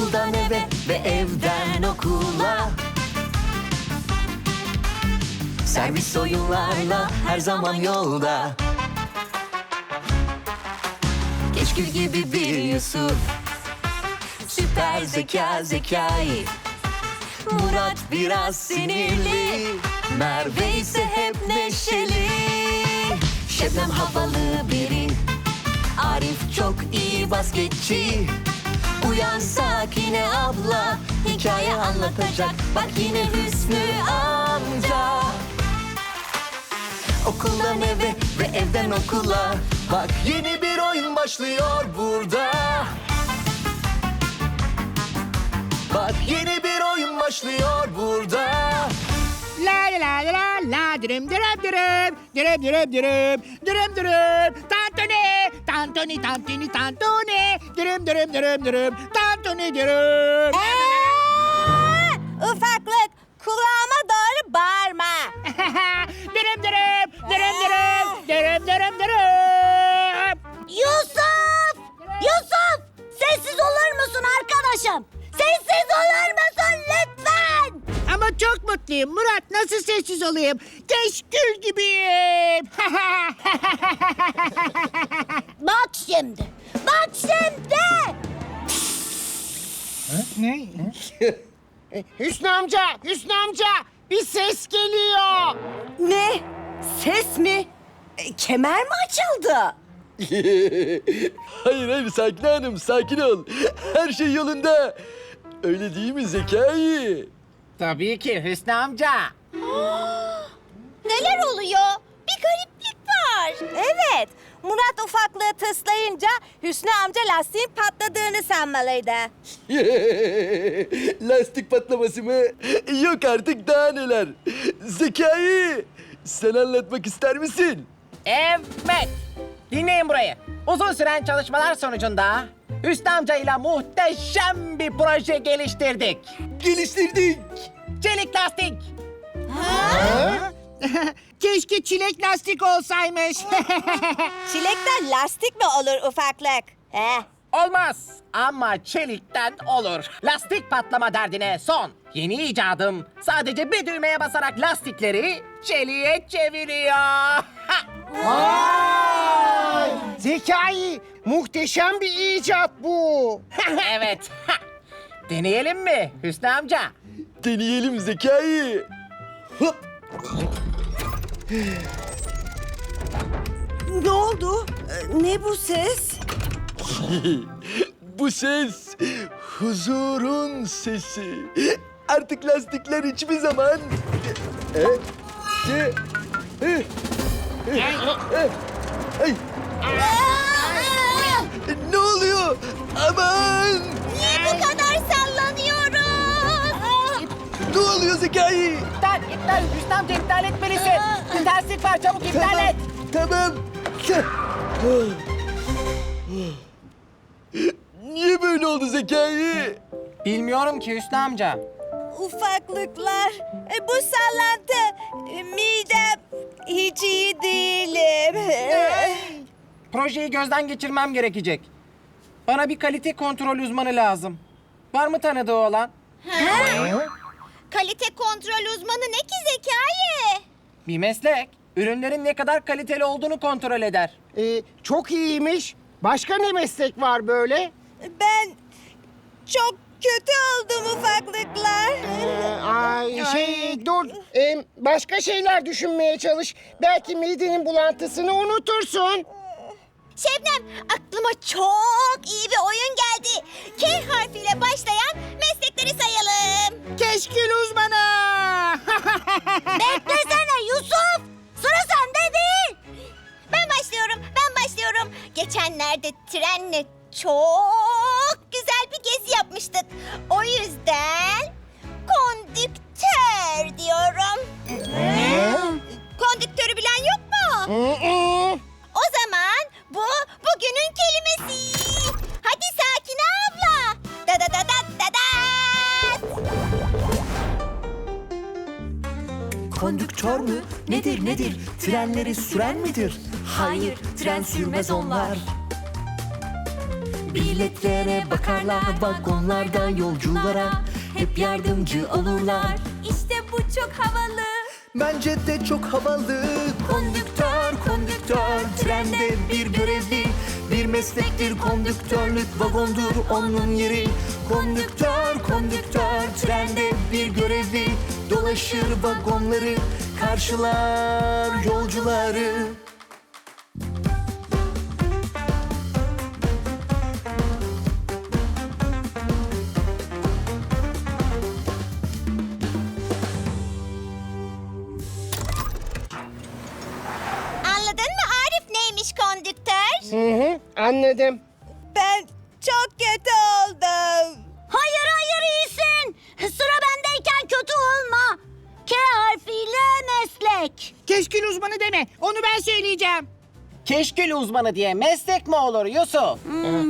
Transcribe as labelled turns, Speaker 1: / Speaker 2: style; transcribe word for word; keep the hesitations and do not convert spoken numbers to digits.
Speaker 1: Okuldan eve ve evden okula. Servis oyunlarla her zaman yolda. Keşkül gibi bir Yusuf, süper zeka Zekai. Murat biraz sinirli, Merve ise hep neşeli. Şebnem havalı biri, Arif çok iyi basketçi. Uyan Sakine abla, hikaye anlatacak. Bak yine Hüsnü amca. Okuldan eve ve evden okula. Bak yeni bir oyun başlıyor burada. Bak yeni bir oyun başlıyor burada.
Speaker 2: La la la la la la dürüm dürüm dürüm dürüm dürüm dürüm dürüm dürüm tantuni tantuni tantuni tantuni dürüm dürüm dürüm dürüm tantuni dürüm.
Speaker 3: Aa, ufaklık, kulağıma doğru bağırma.
Speaker 2: Dürüm dürüm dürüm dürüm dürüm dürüm dürüm.
Speaker 3: Yusuf! Yusuf! Sessiz olur musun arkadaşım? Sessiz olur musun lütfen?
Speaker 2: Ama çok mutluyum Murat, nasıl sessiz olayım? Keşkül gibiyim.
Speaker 3: Bak şimdi, bak şimdi!
Speaker 2: Ne? Hüsnü amca, Hüsnü amca, bir ses geliyor.
Speaker 3: Ne? Ses mi? E, kemer mi açıldı?
Speaker 4: Hayır hayır Sakine Hanım sakin ol. Her şey yolunda. Öyle değil mi Zekai?
Speaker 2: Tabii ki Hüsnü amca.
Speaker 3: Neler oluyor? Bir gariplik var. Evet, Murat ufaklığı tıslayınca Hüsnü amca lastiğin patladığını sanmalıydı.
Speaker 4: Lastik patlaması mı? Yok artık daha neler. Zekai sen anlatmak ister misin?
Speaker 5: Evet. Dinleyin burayı. Uzun süren çalışmalar sonucunda Hüsnü amcayla muhteşem bir proje geliştirdik.
Speaker 4: Geliştirdik.
Speaker 5: Çelik lastik.
Speaker 2: Keşke çilek lastik olsaymış.
Speaker 3: Çilekten lastik mi olur ufaklık? He?
Speaker 5: Olmaz ama çelikten olur. Lastik patlama derdine son. Yeni icadım sadece bir düğmeye basarak lastikleri çeliğe çeviriyor.
Speaker 2: Zekai, muhteşem bir icat bu.
Speaker 5: Evet. Deneyelim mi Hüsnü amca?
Speaker 4: Deneyelim Zekai. Hop.
Speaker 3: Ne oldu? Ne bu ses?
Speaker 4: Bu ses huzurun sesi. Artık lastikler hiçbir zaman... E, e, e, e, e, ay. Ne oluyor? Aman!
Speaker 3: Niye bu kadar sallanıyoruz?
Speaker 4: Ne oluyor Zekai?
Speaker 5: İptal, iptal. Hüsnü amca iptal etmelisin. Bir terslik var, çabuk iptal et.
Speaker 4: Tamam. Niye böyle oldu Zekai?
Speaker 5: Bilmiyorum ki Hüsnü amca.
Speaker 3: Ufaklıklar, e, bu sallantı, e, midem hiç iyi değilim.
Speaker 5: Projeyi gözden geçirmem gerekecek. Bana bir kalite kontrol uzmanı lazım. Var mı tanıdığı olan?
Speaker 3: Kalite kontrol uzmanı ne ki Zekai?
Speaker 5: Bir meslek. Ürünlerin ne kadar kaliteli olduğunu kontrol eder.
Speaker 2: Ee, çok iyiymiş. Başka ne meslek var böyle?
Speaker 3: Ben çok kötü oldum ufaklıklar.
Speaker 2: Ee, ay şey dur. Ee, başka şeyler düşünmeye çalış. Belki midenin bulantısını unutursun.
Speaker 3: Şebnem, aklıma çok iyi bir oyun geldi. K harfiyle başlayan meslekleri sayalım.
Speaker 2: Keşkül uzmanı.
Speaker 3: Beklesene Yusuf. Sıra sende değil. Ben başlıyorum, ben başlıyorum. Geçenlerde trenle çok güzel bir gezi yapmıştık. O yüzden kondüktör diyorum. Kondüktörü bilen yok mu? O zaman bu bugünün kelimesi. Hadi Sakine abla. Da da da da da da.
Speaker 1: Kondüktör mü? Nedir nedir? Trenleri süren midir? Hayır, tren sürmez onlar. Biletlere bakarlar, vagonlarda yolculara hep yardımcı olurlar.
Speaker 3: İşte bu çok havalı.
Speaker 1: Bence de çok havalı. Kondüktör, kondüktör, trende bir görevli. Bir meslektir kondüktörlük, vagondur onun yeri. Kondüktör, kondüktör, trende bir görevli. Dolaşır vagonları, karşılar yolcuları.
Speaker 3: Anladın mı Arif neymiş kondüktör?
Speaker 2: Hı hı, anladım.
Speaker 3: Ben çok kötü oldum. Hayır hayır iyisin. Sıra bendeyken kötü olma. K harfiyle meslek.
Speaker 2: Keşkül uzmanı deme. Onu ben söyleyeceğim.
Speaker 5: Keşkül uzmanı diye meslek mi olur Yusuf?